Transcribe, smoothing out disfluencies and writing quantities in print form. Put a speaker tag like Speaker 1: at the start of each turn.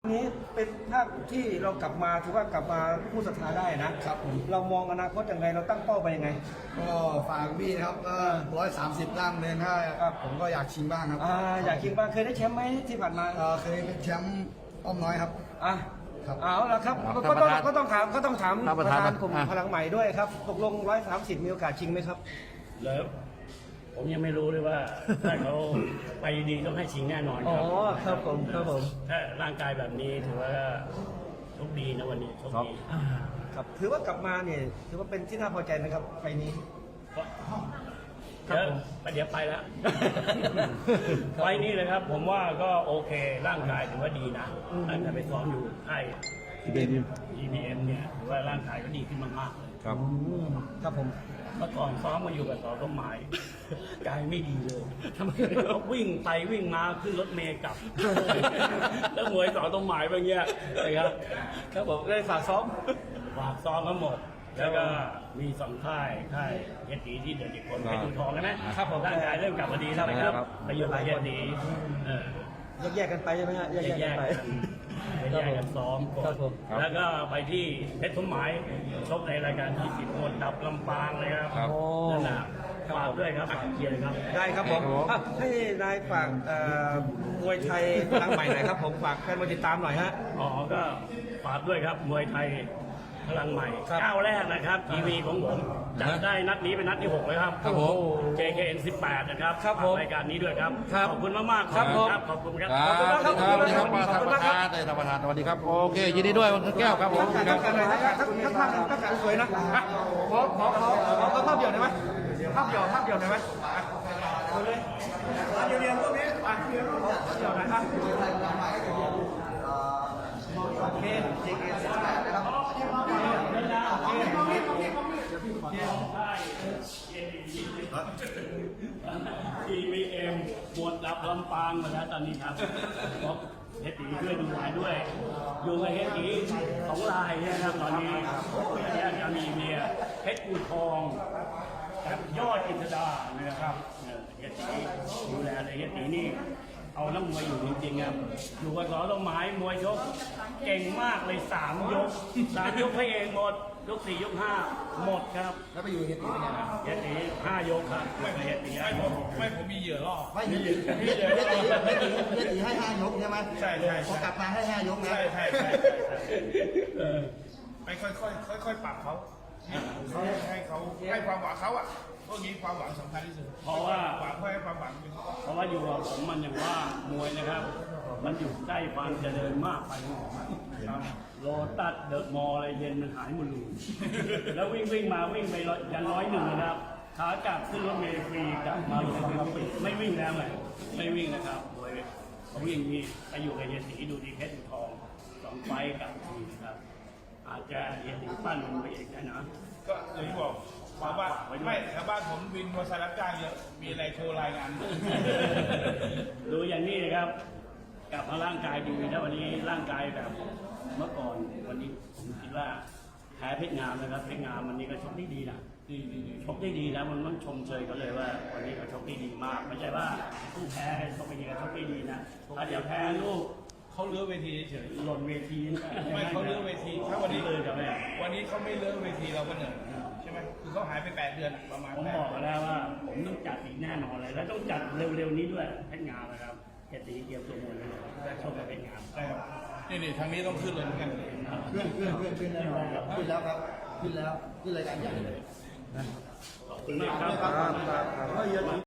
Speaker 1: นี้เป็นภาพที่เรากลับมาถือว่ากลับมาผู้ศรัทธาได้นะครับเรามองอนาคตยังไงเราตั้งเป้าไปยังไง
Speaker 2: ก็ฝากบี้ครับก็130ล่างเดินถ้าผมก็อยากชิงบ้างครับ
Speaker 1: อยากชิงบ้างเคยได้แชมป์ไหมที่ผ่านมา
Speaker 2: เคยเป็นแชมป์อ้อมน้อยครับ
Speaker 1: เอาละครับก็ต้องถามประธานกลุ่มพลังใหม่ด้วยครับตกลง130มีโอกาสชิงไหมครับ
Speaker 3: แล้วผมยังไม่รู้เลยว่าถ้าเขาไปดีต้องให้ชิงแน่นอนครับ
Speaker 1: ครับผม
Speaker 3: ถ้าร่างกายแบบนี้ถือว่าโชคดีนะวันนี้โชคดี
Speaker 1: ครับถือว่ากลับมาเนี่ยถือว่าเป็นที่น่าพอใจไหมครับไฟนี้
Speaker 3: เดี๋ยวไปแล้วไฟนี้เลยครับผมว่าก็โอเคร่างกายถือว่าดีนะตั้งแต่ไปซ้อมอยู่ค่าย EBM เนี่ยถือว่าร่างกายก็ดีขึ้นมากๆเลย
Speaker 1: ครับผม
Speaker 3: เมื่อก่อนซ้อมมาอยู่กับสอต้นไม้กายไม่ดีเลยเขาวิ่งไปวิ่งมาขึ้นรถเมล์กลับแล้วมวยสอต้นไม้แบบเนี้ยนะครับ
Speaker 1: ครับผมได้ฝากซ้อม
Speaker 3: ทั้งหมดแล้วก็มี2ค่ายเฮดดีที่เดือดอีกคนเป็นดูทองใช่ไหม
Speaker 1: ครับผม
Speaker 3: ร่างกายเริ่มกลับมาดีแล้วนะครับไปอยู่กับเฮดดี
Speaker 1: แยกกันไปใช่ไหมฮะแยกกัน
Speaker 3: ซ้อมก่อนแล้วก็ไปที่เพชรสมหมายชกในรายการ20คนดับลำปางเลยครับนั่นแหละฝากด้วยครับฝากเชียร์ครับ
Speaker 1: ได้ครับผมให้นายฝากมวยไทยพลังใหม่หน่อยครับผมฝากแฟนมวยติดตามหน่อยฮะ
Speaker 3: ก็ฝากด้วยครับมวยไทยพลังใหม่ก้าวแรกนะครับทีวีของผมจัดได้นัดนี้เป็นนัดที่6เลยครับJKN 18นะครับรายการนี้ด้วยครับขอบคุณมากๆครับขอบคุณครับ
Speaker 4: ขอบคุณครับท่านประธานสวัสดีครับโอเคยินดีด้วยคุณแก้วครับผม
Speaker 1: ทักกันเลยทักกันสวยนะขอภาพเดียวได้ไหมภาพเดียวได้ไหมเลยเดียวพวกนี้เดียวนะครับโอเค JKN 18นะครับ
Speaker 3: EBM หมวดดับลำปางมาแล้วตอนนี้ครับเฮดดีด้วยดูหลายด้วยอยู่กับเฮดดี2 รายนะครับตอนนี้จะมีเมียเพชรอู่ทองกับยอดอินทดานะครับเฮดดีดูแลเลยเฮดดีนี่เอาน้ำมวยอยู่จริงๆครับอยู่กับสอต้นไม้มวยชกเก่งมากเลย3 ยกให้เองหมดยก4 ยก 5หมดครับ
Speaker 2: แล้วไปอยู่เฮดดีเป็นไง
Speaker 3: เฮดดี5 ยกครับเฮดดี
Speaker 5: ผมมีเหยื่อล่อ
Speaker 2: ไม่เฮดดีให้5 ยกใช่ไหม
Speaker 5: ใช่
Speaker 2: พอกลับมาให้5 ยกนะ
Speaker 5: ใช่ไปค่อยปรับเขาให้เขาให้ความหวังเขาพวกนี้ความหวังสำคัญที่สุด
Speaker 3: เพราะว่า
Speaker 5: ให้ความหวัง
Speaker 3: เพราะว่าอยู่กับผมมันอย่างว่ามวยนะครับมันอยู่ใกล้ความเจริญมากไปโลตัสเดอะมอลล์อะไรเย็นมันหายหมดเลยแล้ววิ่งมาวิ่งไปยัน101นะครับขากลับขึ้นรถเมล์ฟรีกลับมาไม่วิ่งแล้วไงไม่วิ่งนะครับมวยเขาวิ่งนี่ไปอยู่กับเฮียสีดูดีเพชรทอง2 ไฟกับทีนะครับอาจจะเฮียสีปั้นมันไปเองนะ
Speaker 5: ก็เลยบอกว่าไม่ชาวบ้านผมวินมอเตอร์ไซค์รับจ้างเยอะมีอะไรโทรรายงาน
Speaker 3: ดูอย่างนี้นะครับกลับมาร่างกายดีนะวันนี้ร่างกายแบบเมื่อก่อนวันนี้ผมคิดว่าแพ้เพชรงามนะครับเพชรงามวันนี้ก็ชกได้ดีนะชกได้ดีนะมันต้องชมเชยเขาเลยว่าวันนี้เขาชกได้ดีมากไม่ใช่ว่าผู้แพ้ชกไม่ดีก็ชกได้ดีนะถ้าเดี๋ยวแพ้ลูก
Speaker 5: เขาเลื้อเวทีเฉย
Speaker 3: หล่นเวที
Speaker 5: ไม่เขาเลื้อเวทีถ้าวันนี้เลยจะไม่วันนี้เขาไม่เลื้อเวทีเราก็เหนื่อยใช่ไหมคือเขาหายไป8 เดือนประมาณ
Speaker 3: ผมบอกแล้วว่าผมต้องจัดอีกแน่นอนเลยแล้วต้องจัดเร็วๆนี้ด้วยเพชรงามนะครับเกียรติเกียรติตัวมวยเลยชมกับเพชรงาม
Speaker 5: ใช่ครับนี่ทางนี้ต้องขึ้นเลยเหมือนกัน
Speaker 2: ขึ้นแล้วครับขึ้นรายการใหญ่เลย
Speaker 3: ขอบคุณมากครับ